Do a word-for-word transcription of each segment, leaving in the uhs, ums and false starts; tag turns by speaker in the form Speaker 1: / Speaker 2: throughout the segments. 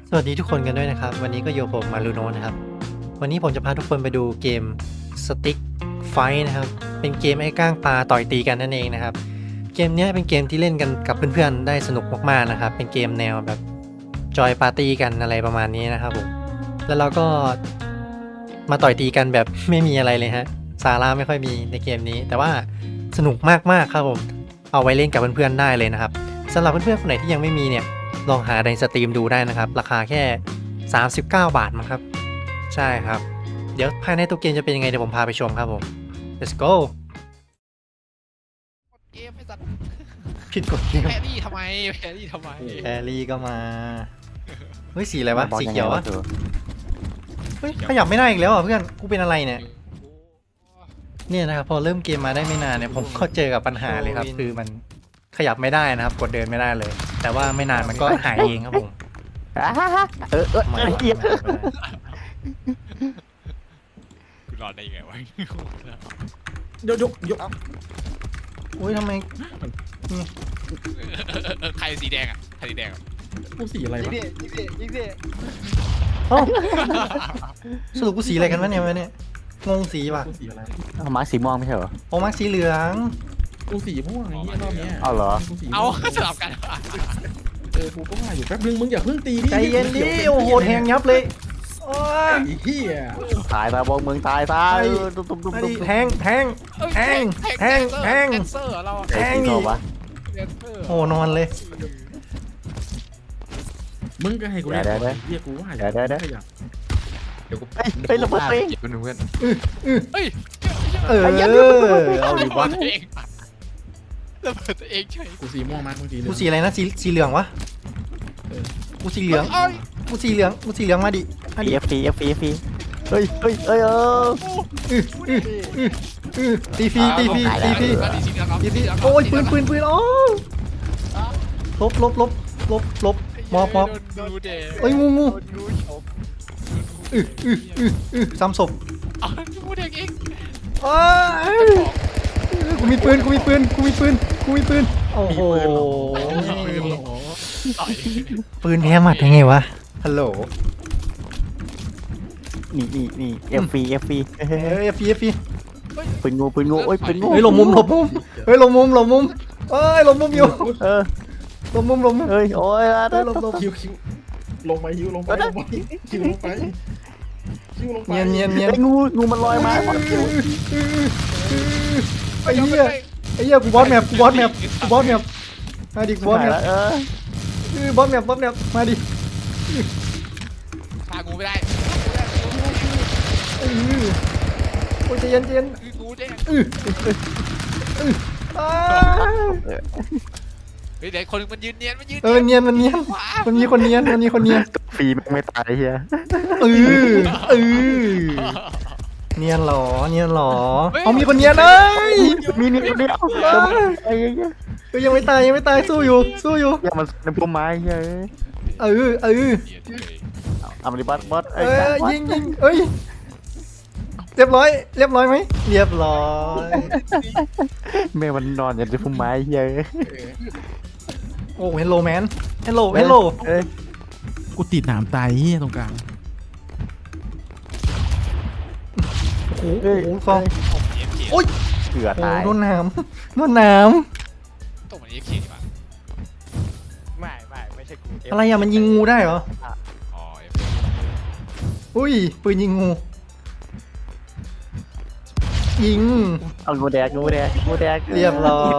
Speaker 1: สวัสดีทุกคนกันด้วยนะครับวันนี้ก็อยู่ผมมารูโนนะครับวันนี้ผมจะพาทุกคนไปดูเกม Stick Fight นะครับเป็นเกมไอ้ก้างปลาต่อยตีกันนั่นเองนะครับเกมนี้เป็นเกมที่เล่นกันกับเพื่อนๆได้สนุกมากๆนะครับเป็นเกมแนวแบบจอยปาร์ตี้กันอะไรประมาณนี้นะครับผมแล้วเราก็มาต่อยตีกันแบบไม่มีอะไรเลยฮะสาระไม่ค่อยมีในเกมนี้แต่ว่าสนุกมากๆครับผมเอาไว้เล่นกับเพื่อนๆได้เลยนะครับสำหรับเพื่อนๆคนไหนที่ยังไม่มีเนี่ยลองหาในสตรีมดูได้นะครับราคาแค่สามสิบเก้าบาทมั้งครับใช่ครับเดี๋ยวภายในตัวเกมจะเป็นยังไงเดี๋ยวผมพาไปชมครับผม let's go
Speaker 2: เกมไอ้สัตว์
Speaker 1: ผิดกฎเกม
Speaker 2: แพรรี่ทำไมแพรรี่ทำไม
Speaker 1: แอรี่ก็มาเฮ้ยสีอะไรวะสีเขียววะเฮ้ยขยับไม่ได้อีกแล้วอ่ะเพื่อนกูเป็นอะไรเนี่ยเนี่ยนะครับพอเริ่มเกมมาได้ไม่นานเนี่ยผมก็เจอกับปัญหาเลยครับคือมันขยับไม่ได้นะครับกดเดินไม่ได้เลย แต่ว่าไม่นานมันก็หายเองครับผม
Speaker 3: เออเออ
Speaker 1: ไม่
Speaker 3: เออเอีย
Speaker 2: กูรอดได้ยังไงวะ
Speaker 4: ยกยกยก
Speaker 1: อุ้ยทำไม
Speaker 2: ใครสีแดงอ่ะใครสีแดงอ่ะ
Speaker 4: กูสีอะไร
Speaker 5: ยิง
Speaker 4: วะ
Speaker 5: ดิยิงดิยิงดิ
Speaker 1: เอ้าสรุปกูสีอะไรกันวะเนี่ยวะเนี่ยงงสีว่ะ
Speaker 4: กูสีอะไร
Speaker 3: เอามาสีม่วงไม่ใช่เหรอ
Speaker 1: โอ้มักสีเหลือง
Speaker 4: กูสีม่วงไอ้เหี้ยรอบเนี้ย
Speaker 3: เอาเหรอ
Speaker 4: กูสีม่วง
Speaker 2: เอาสลับกัน
Speaker 4: เออกูก็ว่าอยู่แป๊บนึงมึงอย่าเพิ่งตีดิ
Speaker 1: ใจเย็นดิโอ้โหแทงยับเลยโอ้ย
Speaker 4: ไอ้เหี้ย
Speaker 3: ตายตายบองเมืองตายตาย
Speaker 1: ไอ้
Speaker 3: ตุ้มตุ้มตุ้ม
Speaker 1: ไอ้
Speaker 3: ตุ้ม
Speaker 1: แทงแทง แทงแทงแทง
Speaker 2: แดนเซอร์เรา
Speaker 1: แทง
Speaker 3: ไอ้
Speaker 1: นี่
Speaker 3: ตัววะ
Speaker 2: แดนเซอร์
Speaker 1: โอ้นอนเลย
Speaker 4: มึงก็ให้กูเล่นก่อนไอ้เหี้ยกูว่าอยู่ขยับเดี๋ยวกู
Speaker 3: เฮ้ยเฮ้ยระเบิดตัวเอง
Speaker 5: เพื่อนเพื่อน
Speaker 2: เฮ้ย
Speaker 1: เออเอาดิวะ
Speaker 2: ตัวเองระเบิดตัวเองเฉย
Speaker 4: กูสีม่วงมากเมื่อกี้เลย
Speaker 1: กูสีอะไรนะสีสีเหลืองวะกูสีเหลือง
Speaker 2: เอ้ย
Speaker 1: กูสีเหลืองกูสีเหลืองมาดิมาดิ
Speaker 3: เอฟฟีเอฟฟีเอฟฟีเฮ้ยเฮ้ยเฮ้ยเออ
Speaker 1: อื้ออื้ออื้ออื้อตีฟรีตีฟรีตีฟรี
Speaker 2: สีเหลือง
Speaker 1: ตีฟรีโอ้ยปืนปืนปืนโอ้ลบลบลบลบลบมอบมอบ
Speaker 2: ดูเด
Speaker 1: เอ้ยงูงู
Speaker 5: รู้ชม
Speaker 1: อื้ออื้ออื้ออื้อซ้ำศพ
Speaker 2: อ๋อดูเด็กเอง
Speaker 1: อ้ายกูมีปืนกูมีปืนกูมีปืนกูมีปืนโอ้โห
Speaker 4: ปืนเหรอ
Speaker 2: ต่อย
Speaker 1: ปืนแพ้หมัดยังไงวะฮัลโหล
Speaker 3: นี่นี่นี่เอฟฟีเอฟฟี
Speaker 1: เฮ้ยฟีฟี
Speaker 3: ปืนงูปืนงูโอ้ยปืนงู
Speaker 1: เฮ้ยหลบมุมหลบมุมเฮ้ยหลบมุมหลบมุมเอ้ยหลบมุมอยู่
Speaker 3: เออ
Speaker 1: หลบมุมหลบมุม
Speaker 3: เฮ้ยโอ้ย
Speaker 1: เฮ้ยหลบหลบ
Speaker 4: คิวคิวลงไปคิวลงไปลงไปคิวลงไปคิวลงไป
Speaker 1: เนียนเนียนเนียน
Speaker 3: ไอ้งูงูมันลอยมา
Speaker 1: ไอ้เหี้ยไอ้เหี้ยกูบอสแมปกูบอสแมปกูบอสแมปมาดิกูบอสแมป
Speaker 3: เออ
Speaker 1: เออบอสแมปบอสแมปมาดิ
Speaker 2: พากูไม่ได้
Speaker 1: เออโอ้ยใจเย็นใจเย็น
Speaker 2: คือกูแดง
Speaker 1: เออเอออ้าว
Speaker 2: เฮ้ยเด็กคนนึงมันยืนเนียนมันยืน
Speaker 1: เออเนียนมันเนียนมันมีคนเนียนมันมีคนเนียน
Speaker 3: ฟรีมันไม่ตายเฮีย
Speaker 1: เออเออเนียนหรอเนียนหรอเอามีคนเนียนเอ้ย
Speaker 3: มีนิดเดียวไอ้เหี้ย
Speaker 1: เอ้ยยังไม่ตายยังไม่ตายสู้อยู่สู้อยู่
Speaker 3: อย่ามันในพุ่มไม้เฮ้ย
Speaker 1: เออเออ
Speaker 3: เอามาดิบัสบัส
Speaker 1: เออยิงยิงเอ้ยเรียบร้อยเรียบร้อยไหมเรียบร้อย
Speaker 3: แม่มันนอนอยู่ในพุ่มไม้เฮ้ย
Speaker 1: โอ้เฮลโลแมนเฮลโลเฮลโล
Speaker 3: เอ้ย
Speaker 4: กูติดหนามตายเหี้ยตรงกลาง
Speaker 1: โอ้โหโอ้โหฟองโอ้ย
Speaker 3: เกือ
Speaker 1: โอ้
Speaker 3: ตาย
Speaker 1: โดนน้ำโดนน้
Speaker 2: ตรงมันเอฟเคดีป่ะ
Speaker 5: ไม่ไม่ไม่ใช่กู
Speaker 1: ำอะไรอะมันยิงงูได้เหรอ
Speaker 2: อ๋อ
Speaker 1: อุ้ยปืนยิงงูยิง
Speaker 3: เอางูแดงงูแดงงูแดง
Speaker 1: เรียบร้อย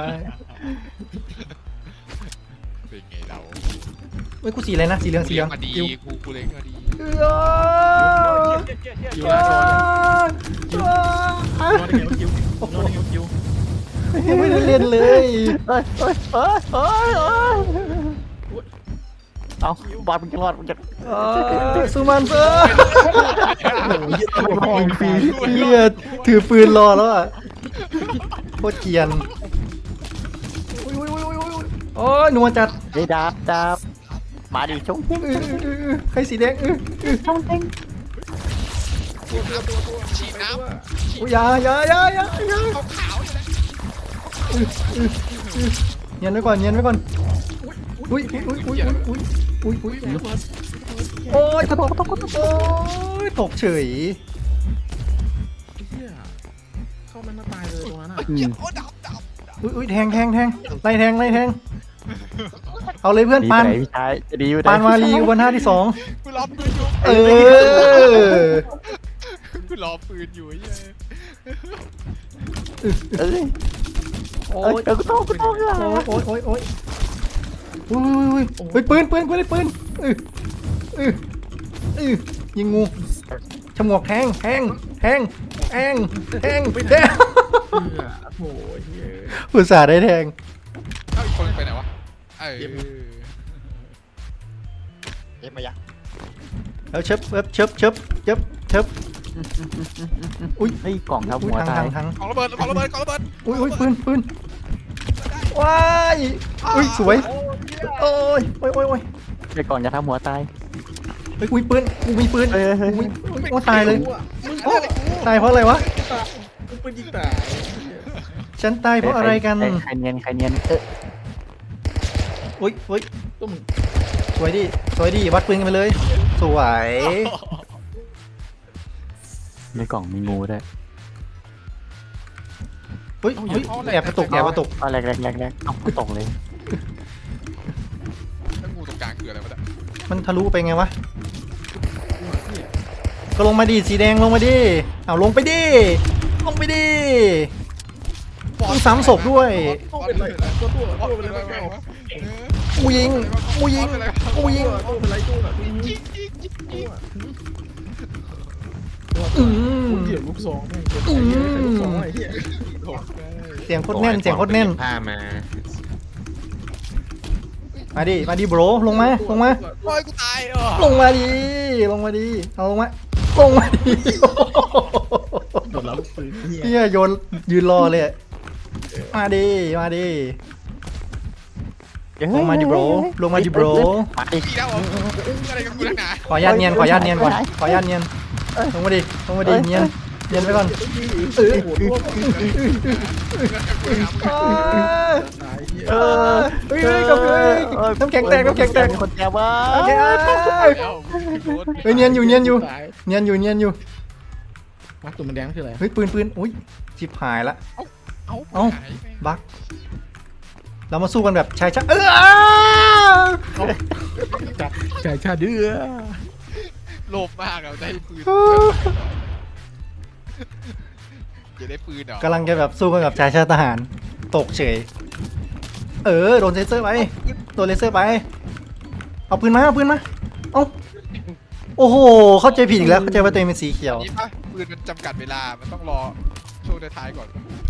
Speaker 2: เป็นไงเรา
Speaker 1: เฮ้ยกูสีอะไรนะสีเหลืองสีเหลือง
Speaker 2: มาดี
Speaker 1: คิว
Speaker 2: กูกูเลยมาดี
Speaker 1: เออ
Speaker 4: คิวนะชอนคิวรอดได้ไงวะคิวรอดได้ไงวะคิว
Speaker 1: ยังไม่ได้เล่นเลย
Speaker 3: เฮ้ยเฮ้ยเฮ้ยเฮ้ยเฮ้ยเอาบอลมันจะรอดมันจะ
Speaker 1: เออซูมันเซอร์
Speaker 3: ยิงฟรี
Speaker 1: เฮียถือปืนรอแล้วอ่ะโคตรเกรียนอุ้ยอุ้ยอุ้ยอุ้ยอุ้ยโอ้ยหนัวจัด
Speaker 3: ไอ้ดาบดาบมาดิชงเฮง
Speaker 1: เออเออเออเออใครสีแดงเออเออ
Speaker 3: ชงเฮง
Speaker 2: ฉีดน้ำ
Speaker 1: อุ้ยอยาอยาอยาอยาอยา
Speaker 2: ขาวๆอยู่นะ
Speaker 1: เนียนไว้ก่อนเนียนไว้ก่อนอุ้ยอุ้ยอุ้ยอุ้ยอุ้ยอุ้ยอุ้ยโอ้ยตกตกตกตกโอ้ยตกเฉย
Speaker 4: เฮียเข้ามันมาตายเลยตรงนั้นอ่ะ
Speaker 3: อืม
Speaker 2: โอ้ดับดับ
Speaker 1: อุ้ยอุ้ยแทงแทงแทงไล่แทงไล่แทงเอาเลยเพื่อน
Speaker 3: ดี
Speaker 1: ปา
Speaker 3: ไป
Speaker 1: น
Speaker 3: ไหนพี่ชายจะดีไปไหน
Speaker 1: ปานวาลีบนหน้าที่สอง
Speaker 2: กูรอปืนอยู่
Speaker 1: เออ
Speaker 2: กูรอปืนอยู่ไอ้เหี้ย
Speaker 3: เอ้ย
Speaker 1: โอ้
Speaker 3: เอ้ย
Speaker 1: ย
Speaker 3: เดี๋ยวกูต้องกูต้องอ่ะ
Speaker 1: โอ้ยโอ้ยโอ้ยโอ้ยอุ้ยอุ้ยอุ้ยปืนปืนกูได้ปืนเออเออเออยิงงูฉมวกแทงแทงแทงแทงแทงแทง
Speaker 4: เฮียโอ้ยเฮีย
Speaker 1: อุตส่าห์ได้แทง
Speaker 2: เอ้าอีกคนไปไหนวะเออ
Speaker 5: เอ็มมายะ
Speaker 1: แล้วเชิบเชิบเชิบเชิบเชิบเชิบ อุ้ย
Speaker 3: ไอ้ยกล่องทับ
Speaker 1: อุ้ย
Speaker 3: หัว
Speaker 1: ทาง
Speaker 3: ตา
Speaker 1: ทาย งทาง
Speaker 2: ของระเบิดของระเบิดของระเบิด
Speaker 1: อุ้ยอุ้ยปืนปืนว้ายอุ้ยสวยโอ้ยโอ้ยโอ้ยโอ้ย
Speaker 3: ไอ้กล่องจะทับหัวตาย
Speaker 1: เฮ้ยกูมีปืนกูมีปืน
Speaker 3: เฮ้ยเฮ้ย
Speaker 1: กู
Speaker 3: เฮ้
Speaker 1: มี
Speaker 3: ย
Speaker 1: อุ้ยโอ้ตายเลย
Speaker 4: มึง
Speaker 1: โอ้ตายเพราะอะไรวะ
Speaker 4: กูเป็นยิงตาย
Speaker 1: ฉันตายเพราะอะไรกัน
Speaker 3: ใคใครเนียนใครเนียนเออ
Speaker 1: อุ้ยอุ้ย
Speaker 4: ตุ้ม
Speaker 1: สวยดิสวยดิวัดปืนกันไปเลย สวย
Speaker 3: ในกล่องมีงูด้วย
Speaker 1: เฮ้ยเฮ้ยแอบกระตุกแอบกระตุก
Speaker 3: เอาแรกแรกแรกแรกเอากูตกเลย
Speaker 2: แล้วงูตรงกลางคืออะไรวะเนี่ย
Speaker 1: มันทะลุไปไงวะก็ลงมาดิสีแดงลงมาดิเอาลงไปดิลงไปดิต้องซ้ำศพด้วย
Speaker 4: ตัวเป็นไรตัวตัวตัวเป็นไรไม่เอา
Speaker 1: กูยิงกูยิงกูยิง
Speaker 4: ตัวเป็นไรตัวตัว
Speaker 2: ยิงยิงยิงยิง
Speaker 1: อืม
Speaker 4: กูเหี้ยลูกสองแม่งเหี้ยลูกสองไอ้เหี้ย
Speaker 1: เสียงโคตรแน่นเสียงโคตรแน่น
Speaker 3: ผ้ามา
Speaker 1: มาดิมาดิโบรลงมาลงมา
Speaker 2: โอ้ยกูตายเออ
Speaker 1: ลงมาดิลงมาดิเอาลงมาลงมาดิ
Speaker 4: โดนแล้วลูกปืนเหี้ย
Speaker 1: เฮียโยนยืนรอเลยอะมาดิมาดิลงมาดิโบรลงมาดิโบร
Speaker 3: มาดิ
Speaker 2: อีกแล้วเหรออะไรกับกูนักหนา
Speaker 1: ขออนุญาตเนียนขออนุญาตเนียนก่อนขออนุญาตเนียนลงมาดิลงมาดิเนียนเนียนไปก่อนเออ
Speaker 4: โหดร่วม
Speaker 1: เออ
Speaker 4: ตายเหี้ย
Speaker 1: เออเฮ้ยเฮ้ยกับเฮ้ยน้ำแข็งแตกน้ำแข็งแตก
Speaker 3: มีคนแจวว่า
Speaker 1: โอเค
Speaker 2: แล้วโคตร
Speaker 1: เฮ้ยเนียนอยู่เนียนอยู่
Speaker 4: ตาย
Speaker 1: เนียนอยู่เนียนอยู่
Speaker 4: มักตัวมันแดงคืออะไร
Speaker 1: เฮ้ยปืนปืนอุ้ยชิบหายละ
Speaker 2: เอ้า
Speaker 1: เอ้า
Speaker 2: หายไป
Speaker 1: บักเรามาสู้กันแบบชายชาเออ
Speaker 4: จัดชายชาเดือ
Speaker 2: โลภมากอะได้ปืนจะได้ปืนเหรอก
Speaker 1: ำลังจะแบบสู้กันกับชายชาติทหารตกเฉยเออโดนเลเซอร์ไปโดนเลเซอร์ไปเอาปืนมาเอาปืนมาเอาโอ้โหเข้าใจผิดอีกแล้วเข้าใจว่าตัวเองเป็นสีเขียว
Speaker 2: นี่ปะปืนมันจำกัดเวลา มันต้องรอช่วงท้ายๆก่อน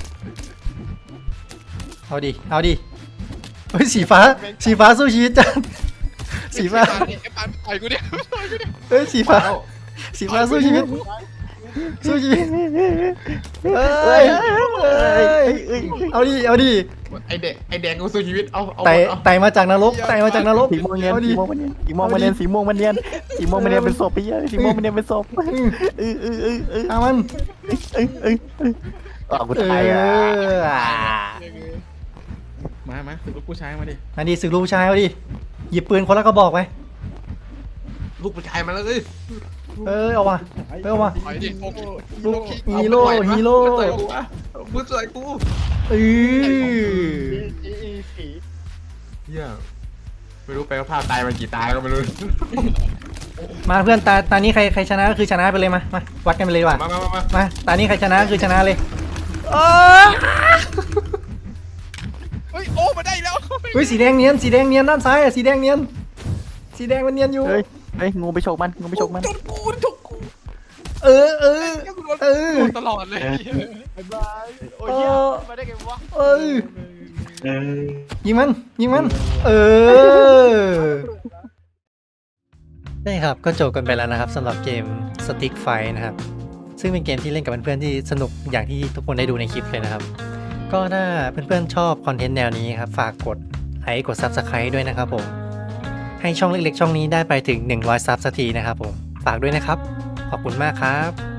Speaker 1: เอาดิเอาดิเฮ้ยสีฟ้าสีฟ้าสู้ชีวิตจังสีฟ้า
Speaker 2: ไอ้ปานไอ้กูเนี่ย
Speaker 1: เฮ้ยสีฟ้าสีฟ้าสู้ชีวิตสู้ชีวิตเอ้ยเอ้ยเอาดิเอาดิ
Speaker 6: ไอเด็กไอแดงกูสู้ชีวิต เอาเอา
Speaker 1: ไต่
Speaker 6: เอา
Speaker 1: ไต่มาจากนรกไต่มาจากนรก
Speaker 3: สีม่วงเนียน
Speaker 1: เอา
Speaker 3: สี
Speaker 1: ดิ
Speaker 3: ม่วงมันเนียนสีม่วงมันเนียนสีม่วงมันเนียนสีม่วงมันเนียนเป็นศพไปเยอะสีม่วงมันเนียนเป็นศพเออเออเออเออ
Speaker 1: เอามัน
Speaker 3: เออเออเอออ๋อกู
Speaker 1: เอ
Speaker 3: ตายอ่ะ
Speaker 1: อ
Speaker 4: มามาถึงลูกผู้ชายมาดิ
Speaker 1: อันนี้ศึกลูกผู้ชายเอาดิหยิบปืนคนละกระบอกไป
Speaker 6: ลูกผู้ชายมาแล้วเลย
Speaker 1: เออเอาว่ะเออเอาว่ะ
Speaker 2: ถอยดิโฟก
Speaker 1: ลูกฮีโร่ฮีโร่
Speaker 6: มือต่อยกูวะมือต่อยกู
Speaker 1: เออ
Speaker 5: อีอีสี
Speaker 6: เฮียไม่รู้ไปว่าพลาดตายมากี่ตายก็ไม่รู้
Speaker 1: มาเพื่อนตาตานี้ใครใครชนะก็คือชนะไปเลยมามาวัดกันไปเลยว่ะ
Speaker 6: มามามามา
Speaker 1: มาตานี้ใครชนะก็คือชนะเลยเออ
Speaker 2: เฮ้ยโอ้มาได้แล้ว
Speaker 1: เฮ้ยสีแดงเนียนสีแดงเนียนด้านซ้ายอ่ะสีแดงเนียนสีแดงมันเนียนอยู่
Speaker 3: เฮ้ยเฮ้ยงูไปฉกมันงูไปฉกมัน
Speaker 2: จนกูจนกู
Speaker 1: เออเออเออ
Speaker 2: โดนตลอดเลย
Speaker 5: บ๊ายบายโอ้ยเหี้ยมาได้ไงวะ
Speaker 1: เออยิงมันยิงมันเออได้ครับก็จบกันไปแล้วนะครับสำหรับเกม Stick Fight นะครับซึ่งเป็นเกมที่เล่นกับเพื่อนๆที่สนุกอย่างที่ทุกคนได้ดูในคลิปเลยนะครับก็ถ้าเพื่อนๆชอบคอนเทนต์แนวนี้ครับฝากกดไลค์กด Subscribe ด้วยนะครับผมให้ช่องเล็กๆช่องนี้ได้ไปถึงหนึ่งร้อยซับสักทีนะครับผมฝากด้วยนะครับขอบคุณมากครับ